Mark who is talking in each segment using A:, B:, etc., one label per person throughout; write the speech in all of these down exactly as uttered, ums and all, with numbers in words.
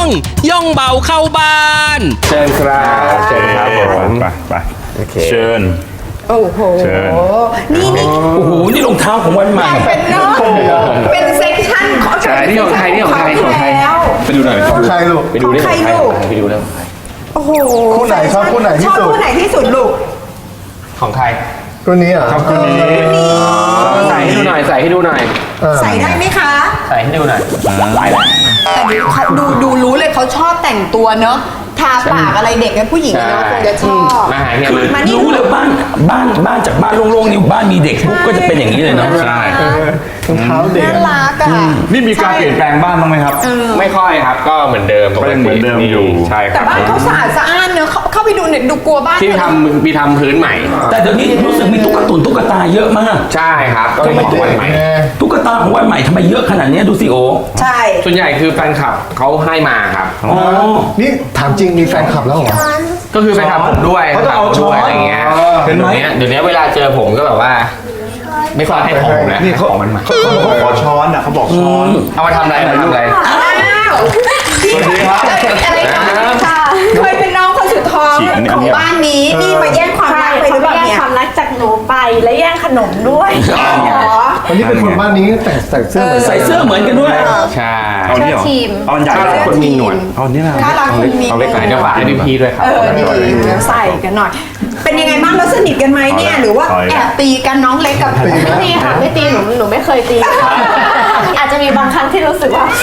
A: ย่องเบาเข้าบ้าน
B: เชิญครับเชิญครับผมไปไปเชิญ
C: โอ้โหนี่นี่
A: โอ้โหนี่รองเท้าของวันใหม่
C: เป็นเนาะเป็นเซ็กชันของใช่
B: นี่ของใครนี่ของใครของใครไปดูหน่อย
D: ของใครลูก
B: ไปดูได้ของใครไปดูได้
C: โอ้โห
D: คู่ไหนชอบคู่ไหนที่สุด
C: ชอบคู่ไหนที่สุดลูก
B: ของใคร
D: คู่นี้อ่ะ
B: ครับคู่นี้ใส่ให้ดูหน่อยใส่ให้ดูหน่อย
C: ใส่ได้ไหมคะ
B: ใส่ให้ดูหน่อยใส่แล้ว
C: แต่ดูดูรู้เลยเขาชอบแต่งตัวเนาะทาปากอะไรเด็กกับผู้หญิงเนาะคงจะชอบ
B: มาหาเนี่ย
A: มารู้เลยบ้านบ้านบ้านจากบ้านโล่งๆนี่บ้านมีเด็กปุ๊บก็จะเป็นอย่างนี้เลยเนาะ
B: ใช่
D: รองเท้าเด็ก
C: น่ารักอ่ะ
B: นี่มีการเปลี่ยนแปลงบ้านบ้างไหมครับไม่ค่อยครับก็เหมือนเดิมก็เหมือนเดิมอยู่ใช่ครับ
C: แต่บ้านเขาสะอาดสะอ้านเนอะเข้าไปดูเนี่ยดูกลัวบ้าน
B: ที่ทำมีทำพื้นใหม่
A: แต่เดี๋ยวนี้รู้สึกมีตุ๊กตุนตุ๊กตาเยอะมาก
B: ใช่ครับก็ไม่ตัวใหม่
A: ตุ๊กตาของวันใหม่ทำไมเยอะขนาดนี้ดูสิโอ
C: ใช่
B: ส่วนใหญ่คือแฟนคลับเขาให้มาครับ
A: อ๋อ
D: นี่ถามจริงมีแฟนคลับแล้วเหรอ
B: ก็คือแฟนคลับผมด้วย
D: เขาจะเอาช้อน
B: อะไรเงี้ยเห็นไหมเดี๋ยวนี้เวลาเจอผมก็แบบว่าไม่ค่อยให้ของแล้ว
D: นี่เขา
B: มันมา
D: เขาขอช้อนอ่ะเขาบอกช้อน
B: เอามาทำอะไรมาทำอะไร
C: สวัสดีครับอะไรค่ะเคยเป็นน้องคนสุดท้องของบ้านนี้นี่มาแย่งความรักไปหรือเปล่าเนี่ย
E: แย่งความรักจากหนูไปและแย่งขนมด้วย
D: วันนี้เป็นคนบ้านนี้แต่ใส่เสื้อ
A: ใส่เสื้อเหมือนกันด้วย
B: ใช่
E: เอาเนี่ยทีม
B: เอาใหญ่คนมีหนวดเอาเนี่ยนะเอาเล็กหน่อยเดี๋ยวฝากให้พี่ๆด้วยครับ
C: เออดีใส่กันหน่อยเป็นยังไงบ้างเราสนิทกันไหมเนี่ยหรือว่าแอบตีกันน้องเล็กกับ
E: ไม่ตีค่ะไม่ตีหนูหนูไม่เคยตีอาจจะมีบางครั้งที่รู้สึกว่า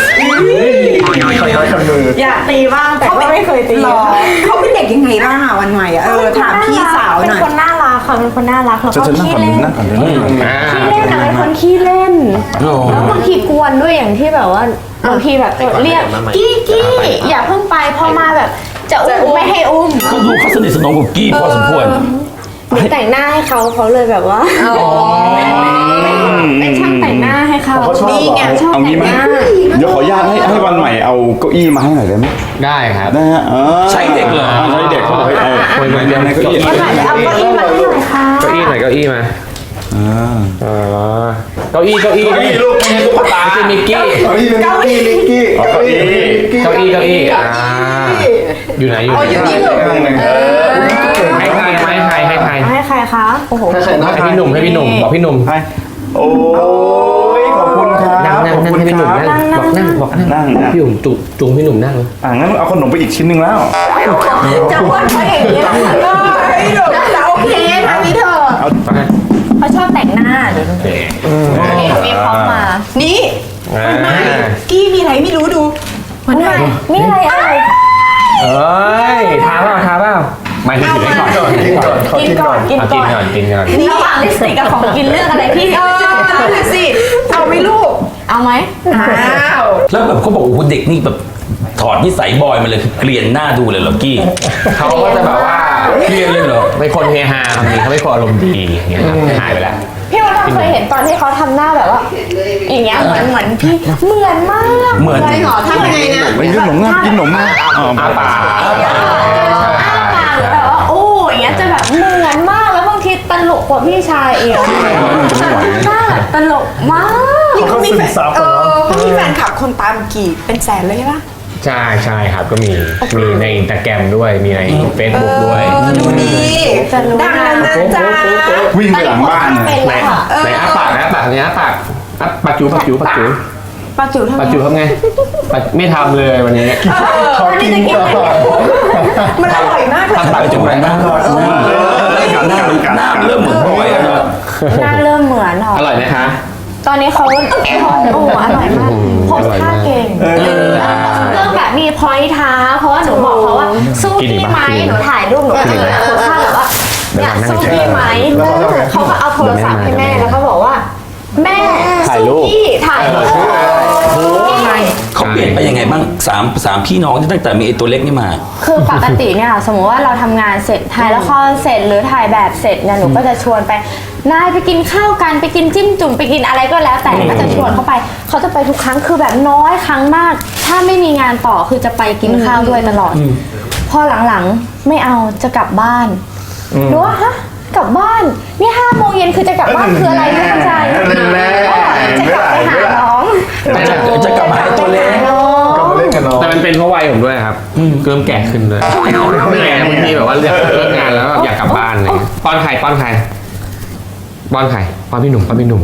E: อยากตีบ้างแต่ก็ไม่เคยตี
C: เขาเป็นเด็กยังไงบ้างอ่ะวันใหม่อ่ะเออถามพี่สาวหน่อย
E: เป็นคนน่ารักค่ะเป็นคนน่ารักแล้วก็ขี้เล่น
D: นั่งก่อนเดี๋ยวนั่งก่อน
E: ขี้เล่นอะเป็นคนขี้เล่นแล้วบางทีกวนด้วยอย่างที่แบบว่าบางทีแบบเรียกกี้กี้อย่าเพิ่งไปพอมาแบบจะอุ้มไม่ให้อุ้ม
A: ก็ดูเขาสนิทสนมกับกี้พอสมควร
E: หนูแต่งหน้าให้เขาเขาเลยแบบว่าเป็นช่างแต่งหน้าให้เขา
C: นี่ไงชอบแต่งหน้า
F: เดี๋ยวขออนุญาตให้ให้วันใหม่เอาเก้าอี้มาให้หน่อยได้ไหม
B: ได้ครับ
F: ได้ฮะ
A: ใช่เด็กเหรอ
F: ใช่เด็กเขาบอกให้เอา
B: คนมาเรียนเก้าอี้
E: เอาเก้าอี้มาให้หน่อยค่ะ
B: เก้าอี้หน่อยเก้าอี้มาอ่าเก้าอี้เก้าอี้เก้าอี้ลูกไม่ใช่ตุ๊กตาไม่ใช่มิกกี้
D: เก้าอี้เก้าอี้มิกกี้
B: เก้าอี้เก้าอี้เก้าอี้อ่าอยู่ไหนอยู่ไหนให้ใครให้ใครให้ใคร
E: ให้ใครคะโอ้โห
B: ให้พี่หนุ่มให้พี่หนุ่มบอกพี่หนุ่ม
F: ให้โอ้ยขอบคุณครับ
B: นั่งนั่งนั่งให้พี่หนุ่มนั่งบอกนั่งบอกนั่งพี่หนุ่มจุจุงพี่หนุ่มนั่งเลย
F: อ่างั้นเอาขนมไปอีกชิ้นหนึ่งแล้ว
C: จะอ้วนเขาอย่างนี้นะพี่หนุ่มจะโอเคนะพี่เธอ
E: เขาชอบแต่งหน้าเดี๋ยวมีพร้อมมา
C: นี่วันใหม่กี้มีอะไรไม่รู้ดู
E: วันใหม่มีอะไรอะไร
B: เอ้ยทาเปล่าทาเปล่าไม่ถึงให้ก่อน
D: กินก่อน
E: กินก่อนกินก่อน
B: กินก่อน
E: ระหว่างลิปสติกกับของกินเลือกอะไรพี่
C: เออนั่นแหละสิเอาไหมลูก
E: เอาไหม
C: อ้าว
A: แล้วแบบเขาบอกโอ้โหเด็กนี่แบบถอดนิสัยบอยมาเลยคือเกลียนหน้าดูเลยเหรอกี้
B: เขาก็จะแบบว่า
A: เกลียนเลยเหรอ
B: เป็นคนเฮฮาบางทีเขาไม่พออารมณ์ดีอย่างเงี้ยหายไปแล้ว
E: พี่ว่าเราเคยเห็นตอนที่เขาทำหน้าแบบว่าอย่างเงี้ยเหมือนเหมือนพี่เหมือนมาก
A: เหมือน
C: ใช่หรอทำยังไงนะ
F: ไม่กินขนมนะกินขนมนะ
B: อ้าปาก
E: อ้าปากแบบว่าโอ้อย่างเงี้ยจะแบบเหมือนมากแล้วบางทีตลกกว่าพี่ชายเองตลกมาก
C: นี่เขามีแฟนเออเขามีแฟนคลับคนตามกี่เป็นแสนเลยใช่ปะ
B: ใช่ใช่ครับก็มีมีในอินสตาแกรมด้วยมีในเฟซบุ๊กด้วย
C: ดูดีดังแล้วนะจ๊ะ
F: วิ่งไปหลังบ้าน
B: ไหนไหนอ้าปากนะปากเนี้ยปากปากจูปากจูปากจู
E: ปากจูทำไง
B: ปากจูทำไงไม่ทำเลยวันนี้
D: ขอกินก่อน
C: มันอร่อยมากเลย
A: ปากจูหน้าหน้าหน้าเริ่มเหมือนบอยแล้ว
E: หน้าเริ่มเหมือนหรอ
B: อร่อยไหมคะ
E: ตอนนี้เขาโอ้อร่อยมากโพสท่าเก่งเรื่องแบบมีพอยท์ท้าเพราะว่าหนูบอกเขาว่าสู้พี่ไหมหนูถ่ายรูปหนูก็จะโพสท่าแบบว่าอยากสู้พี่ไหมเขาก็เอาโทรศัพท์ให้แม่แล้วก็บอกว่าแม่สู้พี่ถ่ายรูป
A: เขาเปลี่ยนไปยังไงบ้างสามสามพี่น้องตั้งแต่มีไอ้ตัวเล็กนี่มา
E: คือปกติเนี่ยสมมติว่าเราทำงานเสร็จถ่ายละครเสร็จหรือถ่ายแบบเสร็จเนี่ยหนูก็จะชวนไปนายไปกินข้าวกันไปกินจิ้มจุ่มไปกินอะไรก็แล้วแต่ก็จะชวนเขาไปเขาจะไปทุกครั้งคือแบบน้อยครั้งมากถ้าไม่มีงานต่อคือจะไปกินข้าวด้วยตลอดพอหลังๆไม่เอาจะกลับบ้านดูว่าฮะกลับบ้านนี่ห้าโมงเย็นคือจะกลับบ้านคืออะไรไม่เข้าใจจะกลับไปหาน้อง
A: จะกลับมาหาตัวเล็ก
D: ก็มาเล่นกันน้อง
B: แต่มันเป็นเพราะวัยผมด้วยครับเริ่มแก่ขึ้นด้วยไม่ไงบางทีแบบว่าเลิกเลิกงานแล้วแบบอยากกลับบ้านอะไรเงี้ยป้อนไข่ป้อนไข่ป้อนไข่ป้อนพี่หนุ่มป้อนพี่หนุ่ม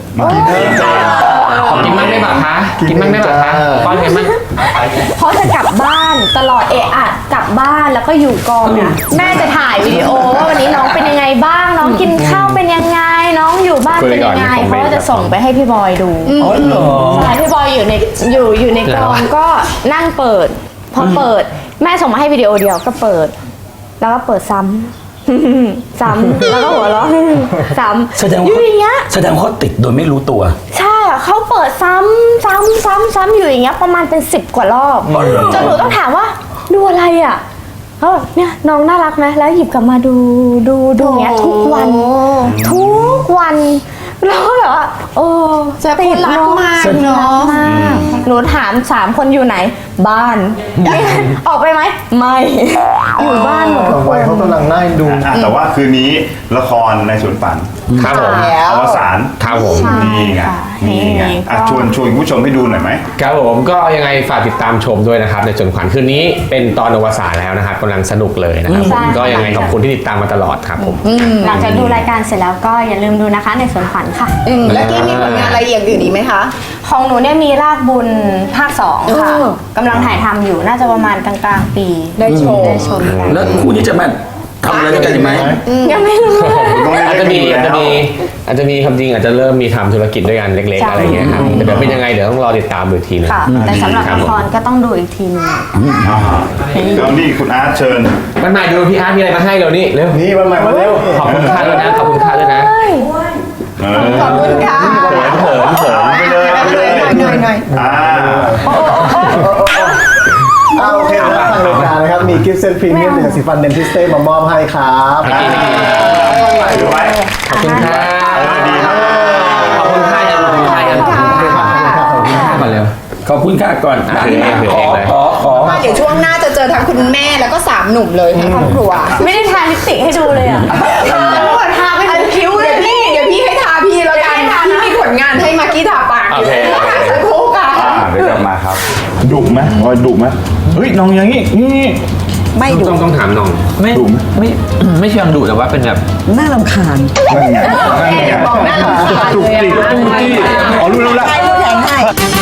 B: ขอกินมั่งได้ป่ะคะกินมั่งได้ป่ะคะป้อนไข่มั่ง
E: เพราะจะกลับบ้านตลอดเอะอะกลับบ้านแล้วก็อยู่กองเนี่ยแม่จะถ่ายวิดีโอว่าวันนี้น้องเป็นยังไงบ้างน้องกินข้าวเป็นยังไงน้องอยู่บ้านเป็นยังไงเขาก็จะส่งไปให้พี่บอยดู
A: อ๋อเหรอ
E: ใช่พี่บอยอยู่ในอยู่อยู่ในกองก็นั่งเปิด พอเปิดแม่ส่งมาให้วิดีโอเดียวก็เปิด แล้วก็เปิดซ้ำ ซ้ำแล้วก็หัวเราะ ซ้ำ
A: แสดง
E: อ
A: ว่า
E: ยู่อย่างเงี้ย
A: แสดงว่าเขาติดโดยไม่รู้ตัว
E: ใช่อะเขาเปิดซ้ำซ้ำซ้ำซ้ำอยู่อย่างเงี้ยประมาณเป็นสิบกว่ารอบจนหนูต้องถามว่าดูอะไรอ่ะเขาบอกเนี่ยน้องน่ารักไหมแล้วหยิบกลับมาดูดูดูอย่างเงี้ยทุกวัน ทุกวันแล้วก็แบบว่าโอ้
C: จะคนรักมากเนาะ
E: มากหนูถามสามคนอยู่ไหน บ้านออกไปไหมไม่อยู่บ้านหมดทุกค
D: วัย
E: น
D: เขากำลังน่าดู
F: อ่ะแต่ว่าคืนนี้ละครในสวนฝัน
B: ครับผม
C: แล้ว
F: อวสาน
B: ครับผม
E: ใช่
F: นี่ไง
E: ค่ะ
F: นี่ไงอ่ะ
E: ก็
F: ชวนชวนคุณผู้ชมให้ดูหน่อยไหม
B: ครับผมก็ยังไงฝากติดตามชมด้วยนะครับในจนขวัญคืนนี้เป็นตอนอวสานแล้วนะครับกำลังสนุกเลยนะครับผมก็ยังไงขอบคุณที่ติดตามมาตลอดครับผม
E: หลังจากดูรายการเสร็จแล้วก็อย่าลืมดูนะคะในสวนขวัญค่ะ
C: อืมแล้วกี้มีผลงานอะไรอย่างอื่นอีกไหมคะ
E: ของหนูเนี่ยมีรากบุญภาคสองค่ะ
C: เออก
E: ำลังถ่ายทำอยู่น่าจะประมาณกลางๆปี
C: ได้ชม
E: ได้ชมกัน
A: แล้วคู่นี้จะมาทำอะไรด้วยกันอีกไหม
E: ยังไม่รู้
F: ต้อง
B: อาจ
F: ได้
B: จะ
F: กัน
B: มี
F: อยู่
B: อาจ
F: แล้
B: จะ
F: ว
B: มีอาจจะมีคำจริงอาจจะเริ่มมีทำธุรกิจด้วยกันเล็กๆ
E: ใช่
B: อะไรเงี้ยครับแต่เดี๋ยวเป็นยังไงเดี๋ยวต้องรอติดตามดูอีกทีนึง
E: ค่ะ แต่สำหรับละครก็ต้องดูอีกทีหนึง
F: อ่าแล้วนี่คุณอาร์ตเชิญ
B: มันมาดูพี่อาร์ตมีอะไรมาให้เรานี่เร็ว
D: นี่วันใหม่มาเร็ว
B: ขอบคุณค่าด้วยนะขอบคุณค่าด้วยนะ
F: เออ
C: ขอบคุณค่ะ
B: เขินเขินเขิน
F: ไปเลยไปเลย
C: หน่อยหน่อย
F: อ่า
D: อ่าโอเคนะทางรายการนะครับ มีกิฟต์เซตพรีเมียมจากสีฟันเดนทิสเต้มามอบให้ครับ
F: อ่าถือไว้
B: ขอบคุณค่ะ
F: เออดีครับ
B: ขอบคุณค่ายังขอบคุณค่ายังขอบคุณค่าขอบคุณค่าก่อนเร็ว
A: ขอบคุณค่ะก่อน
B: อ่ะถือเองถือ
A: ข
B: เอ
A: อง
B: เลย
A: ขอขอ
C: ว่าเดี๋ยวช่วงหน้าจะเจอทั้งคุณแม่แล้วก็สามหนุ่มเลยทั้งครอบครัว
E: ไม่ได้ทาลิปสติกให้ดูเลยอ่ะทาหมดทาไปถึงคิ้วเล
C: เดี๋ย
E: ยว
C: พี่เดี๋ยวพี่ให้ทาพี่แล้วกันพี่มีผลงานให้มากกี้ทาปากอยู่สักครู่ค่ะ
F: อ่าเดี๋ยวกลับมาครับดุไหมพอยดุไหมเฮ้ยน้องอย่างนี้นี่
C: ไม่ดู
B: ต้องต้องถามน้อง
G: ไม่
F: ดุไหม
G: ไม่ ไม่เชิงดุแต่ว่าเป็นแบบ
D: น่ารำคาญ
F: นั่นไงนั่นไง
C: บอกหน้าหลังคา
F: จุก
C: เลย
F: จิก
C: อะ
F: จุกจิกอ๋อรู้แล้วละ
C: ใครดูแทนให้